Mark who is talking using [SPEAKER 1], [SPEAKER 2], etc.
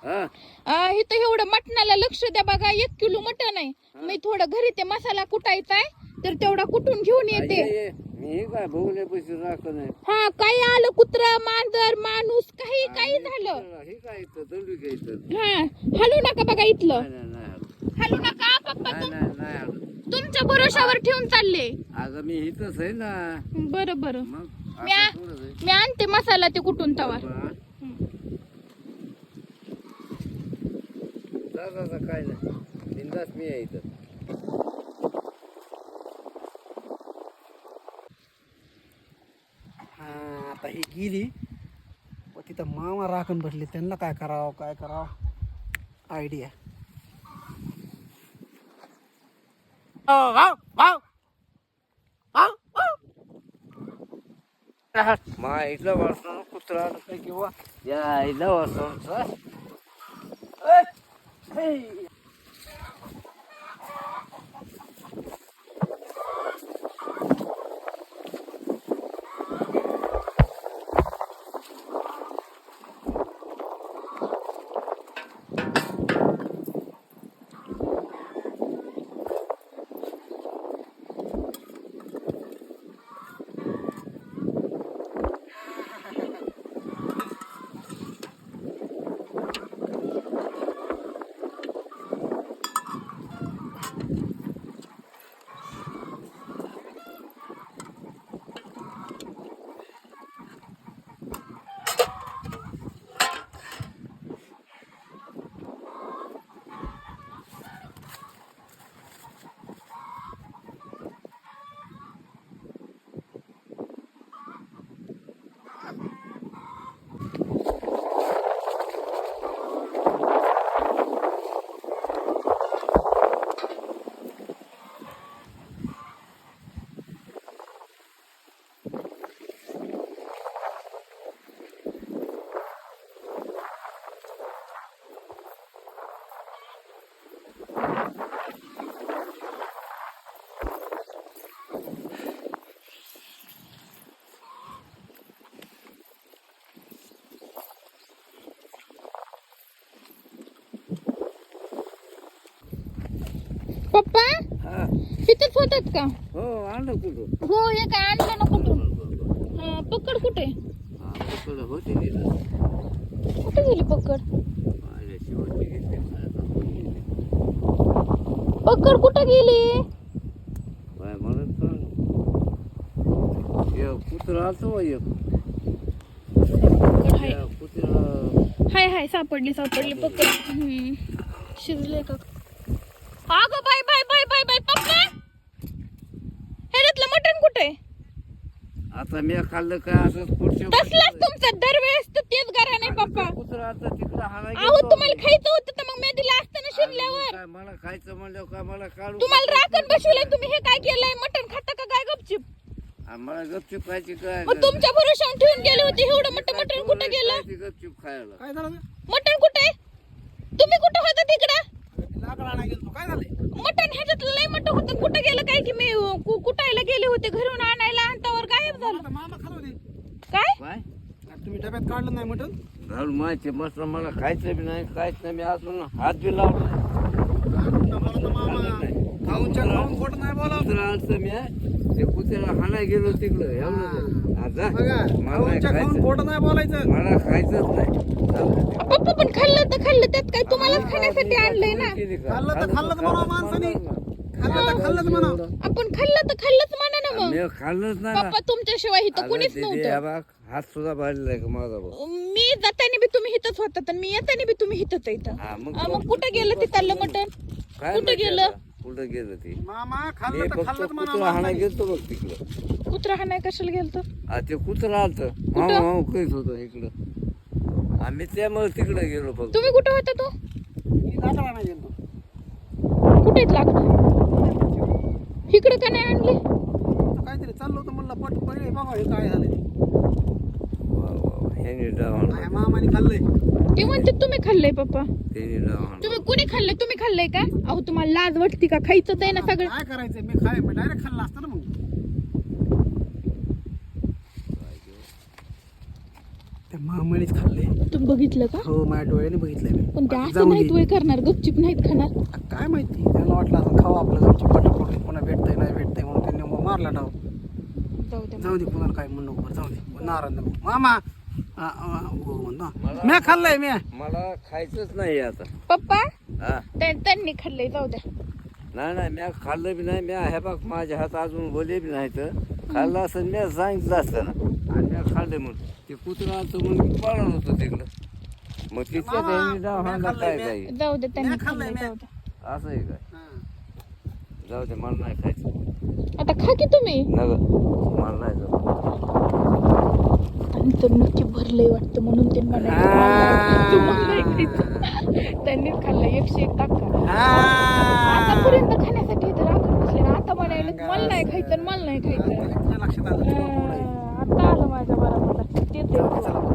[SPEAKER 1] इथं एवढं मटणाला लक्ष द्या बघा. 1 किलो मटण आहे. मी थोडं घरी ते मसाला कुटायचा आहे तर तेवढा कुटून घेऊन येते.
[SPEAKER 2] मी काय भोगले पैसे राखत नाही.
[SPEAKER 1] हा काही आलं कुत्रा मांजर माणूस काही काही झालं
[SPEAKER 2] हे काय इथं दंडू घ्यायचं.
[SPEAKER 1] हा हलू नका बघा इथलं.
[SPEAKER 2] नाही
[SPEAKER 1] हलू नका पप्पा.
[SPEAKER 2] नाही
[SPEAKER 1] तुमच्या भरोशावर ठेवून चालले.
[SPEAKER 2] अगं मी इथंच आहे ना.
[SPEAKER 1] बरं बरं
[SPEAKER 2] मग
[SPEAKER 1] मी आणते मसाला ते कुठून तवा.
[SPEAKER 2] काय नाही बिंदास मी आहे इथं.
[SPEAKER 3] आता ही गेली तिथं मामा राखण बसले. त्यांना काय करावं आयडिया.
[SPEAKER 2] मा इथलं वाचून कुत्रा किंवा या इथलं वाचून
[SPEAKER 1] पप्पा इथंच होतात का?
[SPEAKER 2] हो आणलं कुठं.
[SPEAKER 1] हो हे काय आणलं ना कुठून. पकड कुठे
[SPEAKER 2] होती
[SPEAKER 1] कुठे गेली पकड. पकड कुठे गेली.
[SPEAKER 2] काय म्हणत कुत्रा आलतो
[SPEAKER 1] हाय हाय सापडली पकड. शिजले का. अगं bye bye bye bye bye papa ह्याच्यातलं मटण कुठे.
[SPEAKER 2] आता मी खाल्लं काय असं पुढच्या
[SPEAKER 1] तसलाच तुमचं दरवेळेस तर तेच घरा नाही पप्पा.
[SPEAKER 2] कुत्रा आता तिकडं हाणायला
[SPEAKER 1] अहो तुम्हाला खायचं होतं तर मग मी दिलं असतं ना शिरल्यावर.
[SPEAKER 2] काय मला खायचं म्हणलं काय मला काढू.
[SPEAKER 1] तुम्हाला राखण बसवलंय तुम्ही हे काय केलंय. मटण खाता का काय गपचिप.
[SPEAKER 2] मला गपचूप खायची काय.
[SPEAKER 1] मग तुमच्या भरोशावर ठेवून गेले होते एवढं मटण कुठे गेलं.
[SPEAKER 2] गपचूप खायला
[SPEAKER 3] काय झालं.
[SPEAKER 1] मटण कुठे. तुम्ही कुठं होता तिकडं.
[SPEAKER 3] लाकडं आणायला गेलो. काय झालंय.
[SPEAKER 1] मटण ह्याच्यात लय मटण होतं. कुठं गेलं काय की मी कुटायला गेले होते घरून आणायला अंतावर गायब झालं.
[SPEAKER 3] मामा खात होते.
[SPEAKER 1] काय
[SPEAKER 2] काय
[SPEAKER 3] तुम्ही डब्यात काढलं नाही मटण.
[SPEAKER 2] घालून माहिती मस्त मला खायचं बी नाही काहीच नाही. मी अजून हात बी लावला
[SPEAKER 3] खाऊन खोट नाही बोला.
[SPEAKER 2] कुत्रा आलतं मी ते कुत्र्याला हाणायला गेलो तिकडं एवढं. आता मला खायचं
[SPEAKER 3] खोट नाही बोलायचं.
[SPEAKER 2] मला खायचंच नाही.
[SPEAKER 1] पप्पा पण खाल्लं तर खाल्लं त्यात काय तुम्हालाच खाण्यासाठी आणलंय ना.
[SPEAKER 3] खाल्लं तर म्हणावं माणसाने. खाल्लं तर म्हणावं.
[SPEAKER 1] आपण खाल्लं तर खाल्लंच म्हणा ना मग.
[SPEAKER 2] मी खाल्लंच नाही
[SPEAKER 1] पप्पा तुमच्याशिवाय इथं कुणीच नव्हतं.
[SPEAKER 2] बघ हात सुद्धा भरलेला आहे का माझा भाऊ.
[SPEAKER 1] मी जाताना बी तुम्ही हिथच होतात आणि मी येताना बी तुम्ही हिथच इथं. मग कुठं गेलं तिथलं मटण.
[SPEAKER 2] काय
[SPEAKER 1] कुठं गेलं
[SPEAKER 2] कुठं गेलं ते.
[SPEAKER 3] मामा
[SPEAKER 2] मी
[SPEAKER 3] खाल्लं तर
[SPEAKER 2] फक्त
[SPEAKER 3] खाल्लं
[SPEAKER 2] कुत्रा हाणायला गेलतो बघ तिकडं.
[SPEAKER 1] कुत्रा हाणाय कशाला गेलतो.
[SPEAKER 2] ते कुत्रा आलतं माऊ कहीच होतं इकडं. आम्ही त्यामुळे तिकडे गेलो फक्त.
[SPEAKER 1] तुम्ही कुठं होता तो.
[SPEAKER 3] लाकडं आणायला गेलो.
[SPEAKER 1] कुठेच लागतो इकडं का नाही आणले.
[SPEAKER 3] काहीतरी चाललं होतं म्हणलं पट पहिले बघा हे काय झालंय. मामाने खाल्लंय.
[SPEAKER 1] ते म्हणते तुम्ही खाल्लंय पप्पा.
[SPEAKER 2] त्याने
[SPEAKER 1] तुम्ही कुणी खाल्लंय. तुम्ही खाल्लंय का. अहो तुम्हाला लाज वाटते का. खायचंच आहे ना सगळं.
[SPEAKER 3] काय करायचंय मी डायरेक्ट खाल्लं असतं ना मग. त्या मामानेच खाल्ले.
[SPEAKER 1] तुम्ही बघितलं का?
[SPEAKER 3] हो माझ्या डोळ्याने बघितलंय मी.
[SPEAKER 1] पण ते
[SPEAKER 3] बाकी
[SPEAKER 1] असं
[SPEAKER 3] जाऊ
[SPEAKER 1] नाहीत
[SPEAKER 3] दे.
[SPEAKER 1] वय करणार, गपचिप नाहीत खाणार.
[SPEAKER 3] काय माहिती त्याला वाटलं असं खावा आपलं गपचूप पटापट पुन्हा भेटतंय नाही भेटतंय म्हणून त्यांनी मग मारला डाव.
[SPEAKER 1] जाऊ द्या.
[SPEAKER 3] जाऊ दे कुणाला काय म्हणू नको जाऊ दे नारायण नको. मामा हो म्हणतो म्या खाल्लंय म्या.
[SPEAKER 2] मला खायचंच नाही आता.
[SPEAKER 1] पप्पा
[SPEAKER 2] हा
[SPEAKER 1] त्यांनी खाल्लंय, जाऊ द्या.
[SPEAKER 2] नाही नाही म्या खाल्लं बी नाही. म्या हे बघ माझ्या हात अजून बोले बी नाही तर खाल्लं असं म्या सांगितलं असतं ना. आणि म्या खाल्लं म्हणून ते कुत्रा आलं म्हणून मी पळत होतो तिकडं. मग तिथल्या त्यांनी डाव हाणला काय काही
[SPEAKER 1] जाऊ दे, त्यांनी
[SPEAKER 3] मी खाल्लंय,
[SPEAKER 1] खाल्लंय,
[SPEAKER 3] मी.
[SPEAKER 1] जाऊ द्या.
[SPEAKER 2] असं आहे काय? जाऊ दे मला नाही खायचं.
[SPEAKER 1] आता खा की तुम्ही.
[SPEAKER 2] नग मला नाही जाऊ.
[SPEAKER 1] नंतर नक्की भरलंय वाटतं म्हणून ते म्हणाले तुम्हाला नाही खायचं. त्यांनीच खाल्लं 101 टाका. आतापर्यंत खाण्यासाठी इथं राखून बसले ना, आता म्हणाले मला नाही खायचं, मला नाही खायचं.
[SPEAKER 3] लक्षात आलं
[SPEAKER 1] आता आलं माझ्या बरोबर. ते